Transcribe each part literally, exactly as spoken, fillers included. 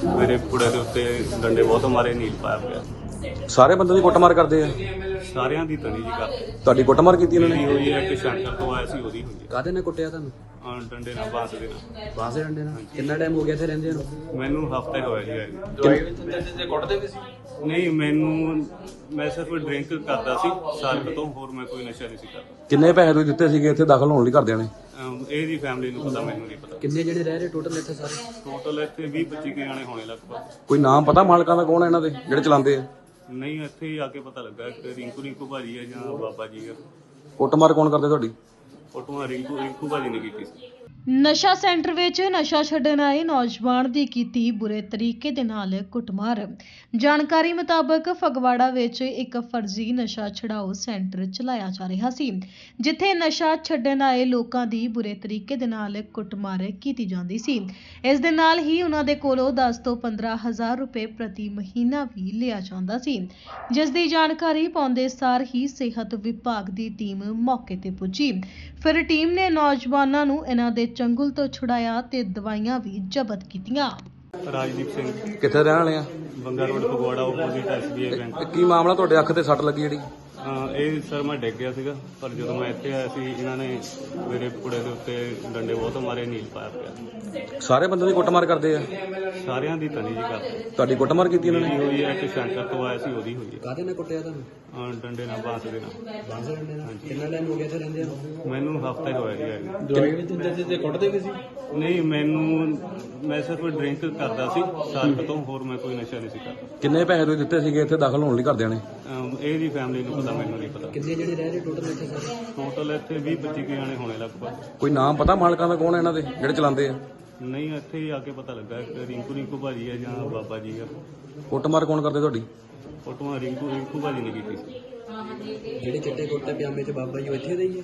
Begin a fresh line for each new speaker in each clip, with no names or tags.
मेरे कुड़े के उत्ते डंडे बहुत मारे, नील पाया पिया।
ਸਾਰੇ ਬੰਦੇ ਦੀ ਕੁੱਟਮਾਰ ਕਰਦੇ ਆ?
ਸਾਰਿਆਂ ਦੀ ਤਣੀ ਜੀ ਕਰ
ਤੁਹਾਡੀ ਕੁੱਟਮਾਰ ਕੀਤੀ ਇਹਨਾਂ
ਮੇਰੀ
ਨੇ?
ਹੋਈ ਹੈ ਕਿ ਸ਼ੰਕਰ ਤੋਂ ਆਇਆ ਸੀ, ਉਹਦੀ ਹੋਈ ਹੈ।
ਕਾਹਦੇ ਨਾਲ ਕੁੱਟਿਆ ਤੁਹਾਨੂੰ?
ਹਾਂ, ਡੰਡੇ ਨਾਲ, ਬਾਂਸ ਦੇ ਨਾਲ।
ਬਾਂਸ ਦੇ ਡੰਡੇ ਨਾਲ? ਕਿੰਨਾ ਟਾਈਮ ਹੋ ਗਿਆ ਇੱਥੇ ਰਹਿੰਦੇ ਨੂੰ?
ਮੈਨੂੰ ਹਫਤਾ ਹੀ ਹੋਇਆ ਜੀ ਆਏ ਨੂੰ।
ਦਵਾਈ ਵੀ ਦਿੰਦੇ ਸੀ ਤੇ ਕੁੱਟਦੇ ਵੀ ਸੀ?
ਨਹੀਂ, ਮੈਨੂੰ ਮੈਂ ਸਿਰਫ ਡਰਿੰਕ ਕਰਦਾ ਸੀ ਸਾਲ ਤੋਂ, ਹੋਰ ਮੈਂ ਕੋਈ ਨਸ਼ਾ ਨਹੀਂ ਸੀ ਕਰਦਾ।
ਕਿੰਨੇ ਪੈਸੇ ਤੁਸੀਂ ਦਿੱਤੇ ਸੀਗੇ ਇੱਥੇ ਦਾਖਲ ਹੋਣ ਲਈ ਘਰਦਿਆਂ ਨੇ?
ਅਮ ਇਹਦੀ ਫੈਮਿਲੀ ਨੂੰ ਪਤਾ, ਮੈਨੂੰ ਨਹੀਂ ਪਤਾ।
ਕਿੰਨੇ ਜਿਹੜੇ ਰਹਿ ਰਹੇ ਟੋਟਲ ਇੱਥੇ ਸਾਰੇ?
ਟੋਟਲ ਇੱਥੇ ਵੀਹ ਪੱਚੀ ਕੁ ਜਾਣੇ ਹੋਣੇ ਲਗਭਗ।
ਕੋਈ ਨਾਮ ਪਤਾ ਮਾਲਕਾਂ ਦਾ ਕੌਣ ਹੈ ਇਹਨਾਂ ਦੇ ਜਿਹੜੇ ਚਲਾਉਂਦੇ ਆ?
ਨਹੀਂ, ਇੱਥੇ ਹੀ ਆ ਕੇ ਪਤਾ ਲੱਗਾ ਕਿ ਰਿੰਕੂ ਰਿੰਕੂ ਭਾਜੀ ਹੈ ਜਾਂ ਬਾਬਾ ਜੀ ਹੈ।
ਕੁੱਟਮਾਰ ਕੌਣ ਕਰਦੇ ਤੁਹਾਡੀ?
ਫੋਟੋਆਂ ਰਿੰਕੂ ਰਿੰਕੂ ਭਾਜੀ ਨੇ ਕੀਤੀ ਸੀ।
ਨਸ਼ਾ ਸੈਂਟਰ ਵਿੱਚ ਨਸ਼ਾ ਛੱਡਣ ਆਏ ਨੌਜਵਾਨ ਦੀ ਕੀਤੀ ਬੁਰੇ ਤਰੀਕੇ ਦੇ ਨਾਲ ਕੁੱਟਮਾਰ। ਜਾਣਕਾਰੀ ਮੁਤਾਬਕ ਫਗਵਾੜਾ ਵਿੱਚ ਇੱਕ ਫਰਜ਼ੀ ਨਸ਼ਾ ਛਡਾਓ ਸੈਂਟਰ ਚਲਾਇਆ ਜਾ ਰਿਹਾ ਸੀ, ਜਿੱਥੇ ਨਸ਼ਾ ਛੱਡਣ ਆਏ ਲੋਕਾਂ ਦੀ ਬੁਰੇ ਤਰੀਕੇ ਦੇ ਨਾਲ ਕੁੱਟਮਾਰ ਕੀਤੀ ਜਾਂਦੀ ਸੀ। ਇਸ ਦੇ ਨਾਲ ਹੀ ਉਹਨਾਂ ਦੇ ਕੋਲੋਂ ਦਸ ਤੋਂ ਪੰਦਰਾਂ ਹਜ਼ਾਰ ਰੁਪਏ ਪ੍ਰਤੀ ਮਹੀਨਾ ਵੀ ਲਿਆ ਜਾਂਦਾ ਸੀ, ਜਿਸ ਦੀ ਜਾਣਕਾਰੀ ਪਾਉਂਦੇ ਸਾਰ ਹੀ ਸਿਹਤ ਵਿਭਾਗ ਦੀ ਟੀਮ ਮੌਕੇ ਤੇ ਪੁੱਜੀ। ਫਿਰ ਟੀਮ ਨੇ ਨੌਜਵਾਨਾਂ ਨੂੰ ਇਹਨਾਂ ਦੇ ਚੰਗੁਲ ਤੋਂ ਛੁਡਾਇਆ ਤੇ ਦਵਾਈਆਂ ਵੀ ਜ਼ਬਤ ਕੀਤੀਆਂ।
ਰਾਜਦੀਪ ਸਿੰਘ,
ਕਿੱਥੇ ਰਹਿਣ ਵਾਲੇ ਆ?
Banga road, Phagwara, opposite S B I bank.
ਇਹ ਕੀ ਮਾਮਲਾ ਤੁਹਾਡੇ ਅੱਖ ਤੇ ਸੱਟ ਲੱਗੀ ਜਿਹੜੀ?
ਹਾਂ, ਇਹ ਸਰ ਮੈਂ ਡਿੱਗ ਗਿਆ ਸੀਗਾ, ਪਰ ਜਦੋਂ ਮੈਂ ਇੱਥੇ ਆਇਆ ਸੀ ਇਹਨਾਂ ਨੇ ਮੇਰੇ ਕੁੜੇ ਦੇ ਉੱਤੇ ਡੰਡੇ ਬਹੁਤ ਮਾਰੇ, ਨੀਲ ਪਾਇਆ ਪਿਆ।
ਸਾਰੇ ਬੰਦੇ ਦੀ ਕੁੱਟਮਾਰ ਕਰਦੇ ਆ?
ਸਾਰਿਆਂ ਦੀ ਤਣੀ ਜੀ ਕਰ
ਤੁਹਾਡੀ ਕੁੱਟਮਾਰ ਕੀਤੀ ਇਹਨਾਂ
ਮੇਰੀ
ਨੇ?
ਹੋਈ ਹੈ ਕਿ ਸ਼ੰਕਰ ਤੋਂ ਆਇਆ ਸੀ, ਉਹਦੀ ਹੋਈ ਹੈ।
ਕਾਹਦੇ ਨਾਲ ਕੁੱਟਿਆ ਤੁਹਾਨੂੰ?
ਹਾਂ, ਡੰਡੇ ਨਾਲ, ਬਾਂਸ ਦੇ ਨਾਲ।
ਬਾਂਸ ਦੇ ਡੰਡੇ ਨਾਲ? ਕਿੰਨਾ ਟਾਈਮ ਹੋ ਗਿਆ ਇੱਥੇ ਰਹਿੰਦੇ ਨੂੰ?
ਮੈਨੂੰ ਹਫਤਾ ਹੀ ਹੋਇਆ ਜੀ ਆਏ ਨੂੰ।
ਦਵਾਈ ਵੀ ਦਿੰਦੇ ਸੀ ਤੇ ਕੁੱਟਦੇ ਵੀ ਸੀ?
ਨਹੀਂ, ਮੈਨੂੰ ਮੈਂ ਸਿਰਫ ਡਰਿੰਕ ਕਰਦਾ ਸੀ ਸਾਲ ਤੋਂ, ਹੋਰ ਮੈਂ ਕੋਈ ਨਸ਼ਾ ਨਹੀਂ ਸੀ ਕਰਦਾ।
ਕਿੰਨੇ ਪੈਸੇ ਤੁਸੀਂ ਦਿੱਤੇ ਸੀਗੇ ਇੱਥੇ ਦਾਖਲ ਹੋਣ ਲਈ ਘਰਦਿਆਂ ਨੇ?
ਅਮ ਇਹਦੀ ਫੈਮਿਲੀ ਨੂੰ ਪਤਾ, ਮੈਨੂੰ ਨਹੀਂ ਪਤਾ।
ਕਿੰਨੇ ਜਿਹੜੇ ਰਹਿ ਰਹੇ ਟੋਟਲ ਇੱਥੇ ਸਾਰੇ?
ਟੋਟਲ ਇੱਥੇ ਵੀਹ ਪੱਚੀ ਕੁ ਜਾਣੇ ਹੋਣੇ ਲਗਭਗ।
ਕੋਈ ਨਾਮ ਪਤਾ ਮਾਲਕਾਂ ਦਾ ਕੌਣ ਹੈ ਇਹਨਾਂ ਦੇ ਜਿਹੜੇ ਚਲਾਉਂਦੇ ਆ?
ਨਹੀਂ, ਇੱਥੇ ਹੀ ਆ ਕੇ ਪਤਾ ਲੱਗਾ ਕਿ ਰਿੰਕੂ ਰਿੰਕੂ ਭਾਜੀ ਹੈ ਜਾਂ ਬਾਬਾ ਜੀ ਹੈ।
ਕੁੱਟਮਾਰ ਕੌਣ ਕਰਦੇ ਤੁਹਾਡੀ?
ਫੋਟੋਆਂ ਰਿੰਕੂ ਰਿੰਕੂ ਭਾਜੀ ਨੇ ਕੀਤੀ ਸੀ।
ਜਿਹੜੇ ਚਿੱਟੇ ਕੁੱਟੇ ਪਜਾਮੇ ਚ ਬਾਬਾ ਜੀ ਇੱਥੇ ਦੇ ਹੀ ਆ?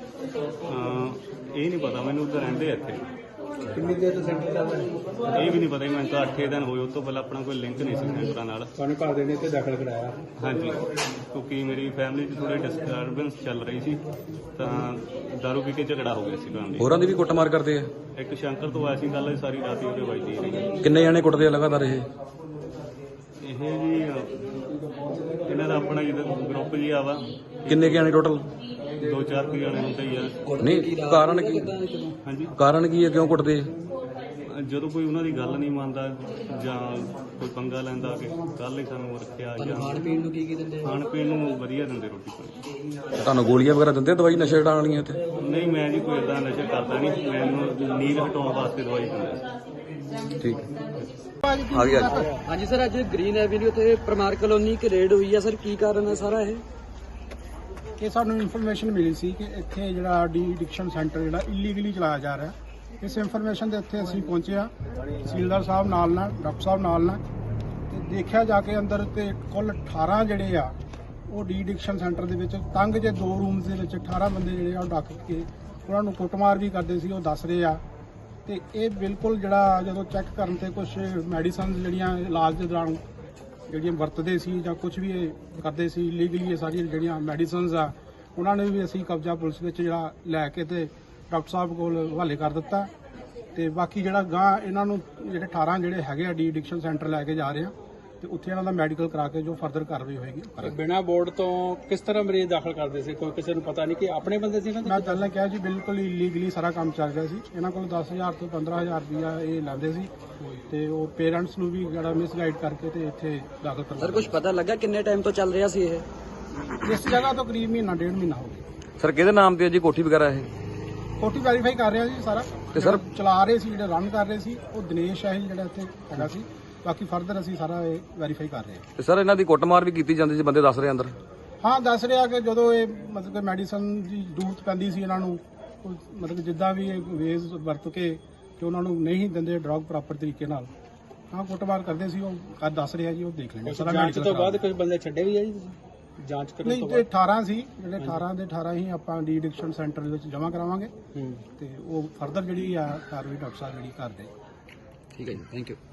ਹਾਂ, ਇਹ ਨਹੀਂ ਪਤਾ ਮੈਨੂੰ, ਉੱਧਰ ਰਹਿੰਦੇ ਆ ਇੱਥੇ।
ਕਿੰਨੀ ਦੇਰ ਤੋਂ ਸੈਂਟਰ ਚੱਲਦਾ ਹੈ?
ਇਹ ਵੀ ਨਹੀਂ ਪਤਾ, ਮੈਨੂੰ ਤਾਂ ਅੱਠ ਦਿਨ ਹੋਏ। ਉਸ ਤੋਂ ਪਹਿਲਾਂ ਆਪਣਾ ਕੋਈ ਲਿੰਕ ਨਹੀਂ ਸੀ ਸੈਂਟਰਾਂ ਨਾਲ।
ਤੁਹਾਨੂੰ ਘਰ ਦੇ ਨੇ ਇੱਥੇ ਦਾਖਲ ਕਰਾਇਆ?
ਹਾਂਜੀ, ਕਿਉਂਕਿ ਮੇਰੀ ਫੈਮਿਲੀ 'ਚ ਥੋੜੀ ਡਿਸਟਰਬੈਂਸ ਚੱਲ ਰਹੀ ਸੀ, ਤਾਂ ਦਾਰੂ ਪੀ ਕੇ ਝਗੜਾ ਹੋ ਗਿਆ ਸੀ ਫੈਮਿਲੀ।
ਹੋਰਾਂ ਦੀ ਵੀ ਕੁੱਟਮਾਰ ਕਰਦੇ ਆ?
ਇੱਕ ਸ਼ੰਕਰ ਤੋਂ ਆਇਆ ਸੀ, ਗੱਲ ਸਾਰੀ ਰਾਤ ਹੀ ਉਹਦੇ ਵੱਜਦੀ ਰਹੀ।
ਕਿੰਨੇ ਜਾਣੇ ਕੁੱਟਦੇ ਆ ਲਗਾਤਾਰ ਇਹ?
ਇਹ ਜੀ ਇਹਨਾਂ ਦਾ ਆਪਣਾ ਜਿਹੜਾ ਗਰੁੱਪ ਜੀ ਆ ਵਾ,
ਕਿੰਨੇ ਕੁ ਜਾਣੇ ਟੋਟਲ?
ਦੋ ਚਾਰ ਕੁ ਜਾਣੇ ਹੁੰਦੇ ਹੀ ਆ।
ਨਹੀਂ, ਕਾਰਨ ਕੀ?
ਹਾਂਜੀ,
ਕਾਰਨ ਕੀ ਹੈ, ਕਿਉਂ ਕੁੱਟਦੇ ਆ?
ਜਦੋਂ ਕੋਈ ਉਹਨਾਂ ਦੀ ਗੱਲ ਨਹੀਂ ਮੰਨਦਾ ਜਾਂ ਕੋਈ ਪੰਗਾ ਲੈਂਦਾ ਕਿ ਕੱਲ ਹੀ ਸਾਨੂੰ ਰੱਖਿਆ, ਜਾਂ
ਖਾਣ ਪੀਣ ਨੂੰ ਕੀ ਕੀ ਦਿੰਦੇ?
ਖਾਣ ਪੀਣ ਨੂੰ ਵਧੀਆ ਦਿੰਦੇ, ਰੋਟੀ ਪਾਣੀ।
ਤੁਹਾਨੂੰ ਗੋਲੀਆਂ ਵਗੈਰਾ ਦਿੰਦੇ, ਦਵਾਈ ਨਸ਼ੇ ਹਟਾਉਣ ਵਾਲੀਆਂ ਇੱਥੇ?
ਨਹੀਂ, ਮੈਂ ਜੀ ਕੋਈ ਇਦਾਂ ਨਸ਼ਾ ਕਰਦਾ ਨਹੀਂ, ਮੈਨੂੰ ਨੀਂਦ ਹਟਾਉਣ ਵਾਸਤੇ ਦਵਾਈ ਦਿੰਦੇ ਸੀ।
ਠੀਕ ਆ ਗਿਆ ਜੀ। ਹਾਂਜੀ ਸਰ, ਅੱਜ ਗ੍ਰੀਨ ਐਵਨਿਊ ਤੇ ਪਰਮਾਰ ਕਲੋਨੀ ਕਿ ਰੇਡ ਹੋਈ ਹੈ ਸਰ, ਕੀ ਕਾਰਨ ਹੈ ਸਾਰਾ ਇਹ?
ਇਹ ਸਾਨੂੰ ਇਨਫੋਰਮੇਸ਼ਨ ਮਿਲੀ ਸੀ ਕਿ ਇੱਥੇ ਜਿਹੜਾ ਡੀ ਐਡਿਕਸ਼ਨ ਸੈਂਟਰ ਜਿਹੜਾ ਇਲੀਗਲੀ ਚਲਾਇਆ ਜਾ ਰਿਹਾ। ਇਸ ਇਨਫੋਰਮੇਸ਼ਨ ਦੇ ਉੱਤੇ ਅਸੀਂ ਪਹੁੰਚੇ ਹਾਂ, ਤਹਿਸੀਲਦਾਰ ਸਾਹਿਬ ਨਾਲ ਨਾਲ, ਡਾਕਟਰ ਸਾਹਿਬ ਨਾਲ ਨਾਲ, ਤੇ ਦੇਖਿਆ ਜਾ ਕੇ ਅੰਦਰ ਤੇ ਕੁੱਲ ਅਠਾਰਾਂ ਜਿਹੜੇ ਆ ਉਹ ਡੀ ਐਡਿਕਸ਼ਨ ਸੈਂਟਰ ਦੇ ਵਿੱਚ ਤੰਗ ਜੇ ਦੋ ਰੂਮਸ ਦੇ ਵਿੱਚ ਅਠਾਰਾਂ ਬੰਦੇ ਜਿਹੜੇ ਆ ਉਹ ਡੱਕ ਕੇ ਉਹਨਾਂ ਨੂੰ ਕੁੱਟਮਾਰ ਵੀ ਕਰਦੇ ਸੀ, ਉਹ ਦੱਸ ਰਹੇ ਆ। ਤੇ ਇਹ ਬਿਲਕੁਲ ਜਿਹੜਾ ਜਦੋਂ ਚੈੱਕ ਕਰਨ ਤੇ ਕੁਝ ਮੈਡੀਸਨ ਜਿਹੜੀਆਂ ਇਲਾਜ ਦੇ ਦੌਰਾਨ ਜਿਹੜੀਆਂ ਵਰਤਦੇ ਸੀ ਜਾਂ ਕੁਝ ਵੀ ਇਹ ਕਰਦੇ ਸੀ ਇਲੀਗਲੀ, ਇਹ ਸਾਰੀਆਂ ਜਿਹੜੀਆਂ ਮੈਡੀਸਨਸ ਆ ਉਹਨਾਂ ਨੇ ਵੀ ਅਸੀਂ ਕਬਜ਼ਾ ਪੁਲਿਸ ਵਿੱਚ ਜਿਹੜਾ ਲੈ ਕੇ ਤੇ ਡਾਕਟਰ ਸਾਹਿਬ ਕੋਲ ਹਵਾਲੇ ਕਰ ਦਿੱਤਾ। ਤੇ ਬਾਕੀ ਜਿਹੜਾ ਗਾਂ ਇਹਨਾਂ ਨੂੰ ਜਿਹੜੇ ਅਠਾਰਾਂ ਜਿਹੜੇ ਹੈਗੇ ਆ ਡੀ ਐਡਿਕਸ਼ਨ ਸੈਂਟਰ ਲੈ ਕੇ ਜਾ ਰਹੇ ਆ, ਤੇ ਉੱਥੇ ਇਹਨਾਂ ਦਾ ਮੈਡੀਕਲ ਕਰਾ ਕੇ ਜੋ ਫਰਦਰ ਕਾਰਵਾਈ ਹੋਏਗੀ।
ਬਿਨਾਂ ਬੋਰਡ ਤੋਂ ਕਿਸ ਤਰ੍ਹਾਂ ਮਰੀਜ਼ ਦਾਖਲ ਕਰਦੇ ਸੀ? ਕੋਈ ਕਿਸੇ ਨੂੰ ਪਤਾ ਨਹੀਂ ਕਿ ਆਪਣੇ ਬੰਦੇ ਸੀ ਨਾ?
ਮੈਂ ਪਹਿਲਾਂ ਕਿਹਾ ਜੀ, ਬਿਲਕੁਲ ਇਲੀਗਲੀ ਸਾਰਾ ਕੰਮ ਚੱਲ ਰਿਹਾ ਸੀ। ਇਹਨਾਂ ਕੋਲ ਦਸ ਹਜ਼ਾਰ ਤੋਂ ਪੰਦਰਾਂ ਹਜ਼ਾਰ ਰੁਪਇਆ ਇਹ ਲੈਂਦੇ ਸੀ, ਤੇ ਉਹ ਪੇਰੈਂਟਸ ਨੂੰ ਵੀ ਜਿਹੜਾ ਮਿਸਗਾਈਡ ਕਰਕੇ ਤੇ ਇੱਥੇ ਦਾਖਲ ਕਰਵਾ।
ਸਰ, ਕੁਝ ਪਤਾ ਲੱਗਾ ਕਿੰਨੇ ਟਾਈਮ ਤੋਂ ਚੱਲ ਰਿਹਾ ਸੀ ਇਹ?
ਇਸ ਜਗ੍ਹਾ ਤੋਂ ਕਰੀਬ ਮਹੀਨਾ ਡੇਢ ਮਹੀਨਾ ਹੋ ਗਿਆ।
ਸਰ, ਕਿਹਦੇ ਨਾਮ ਤੇ ਹੈ ਜੀ ਕੋਠੀ ਵਗੈਰਾ ਇਹ?
ਕੋਠੀ ਵੈਰੀਫਾਈ ਕਰ ਰਿਹਾ ਜੀ ਸਾਰਾ।
ਤੇ ਸਰ
ਚਲਾ ਰਹੇ ਸੀ, ਜਿਹੜੇ ਰਨ ਕਰ ਰਹੇ ਸੀ ਉਹ ਦਿਨੇਸ਼ ਹੈ ਜਿਹੜਾ ਇੱਥੇ ਹੈਗਾ ਸੀ। ਬਾਕੀ ਫਰਦਰ ਅਸੀਂ ਸਾਰਾ ਇਹ ਵੈਰੀਫਾਈ ਕਰ ਰਹੇ ਹਾਂ।
ਤੇ ਸਰ, ਇਹਨਾਂ ਦੀ ਕੁੱਟਮਾਰ ਵੀ ਕੀਤੀ ਜਾਂਦੀ ਸੀ, ਬੰਦੇ ਦੱਸ ਰਹੇ ਅੰਦਰ?
ਹਾਂ, ਦੱਸ ਰਿਹਾ ਕਿ ਜਦੋਂ ਇਹ ਮਤਲਬ ਕਿ ਮੈਡੀਸਨ ਦੀ ਜ਼ਰੂਰਤ ਪੈਂਦੀ ਸੀ ਇਹਨਾਂ ਨੂੰ, ਮਤਲਬ ਜਿੱਦਾਂ ਵੀ ਇਹ ਵੇਜ਼ ਵਰਤ ਕੇ ਕਿ ਉਹਨਾਂ ਨੂੰ ਨਹੀਂ ਦਿੰਦੇ ਡਰਗ ਪ੍ਰੋਪਰ ਤਰੀਕੇ ਨਾਲ, ਹਾਂ ਕੁੱਟਮਾਰ ਕਰਦੇ ਸੀ। ਉਹ ਦੱਸ ਰਿਹਾ ਜੀ, ਉਹ ਦੇਖ ਲੈਂਦੇ ਸਾਰਾ।
ਜਾਂਚ ਤੋਂ ਬਾਅਦ ਕੁਝ ਬੰਦੇ ਛੱਡੇ ਵੀ ਆ ਜੀ ਜਾਂਚ ਕਰਨ
ਨਹੀਂ,
ਤੋਂ
ਤੇ
ਬਾਅਦ?
ਅਠਾਰਾਂ ਸੀ ਜਿਹੜੇ, ਅਠਾਰਾਂ ਦੇ ਅਠਾਰਾਂ ਹੀ ਆਪਾਂ ਡੀ ਐਡਿਕਸ਼ਨ ਸੈਂਟਰ ਦੇ ਵਿੱਚ ਜਮ੍ਹਾਂ ਕਰਾਵਾਂਗੇ, ਤੇ ਉਹ ਫਰਦਰ ਜਿਹੜੀ ਆ ਕਾਰਵਾਈ ਡਾਕਟਰ ਸਾਹਿਬ ਜਿਹੜੀ ਕਰਦੇ।
ਠੀਕ ਹੈ ਜੀ, ਥੈਂਕ ਯੂ।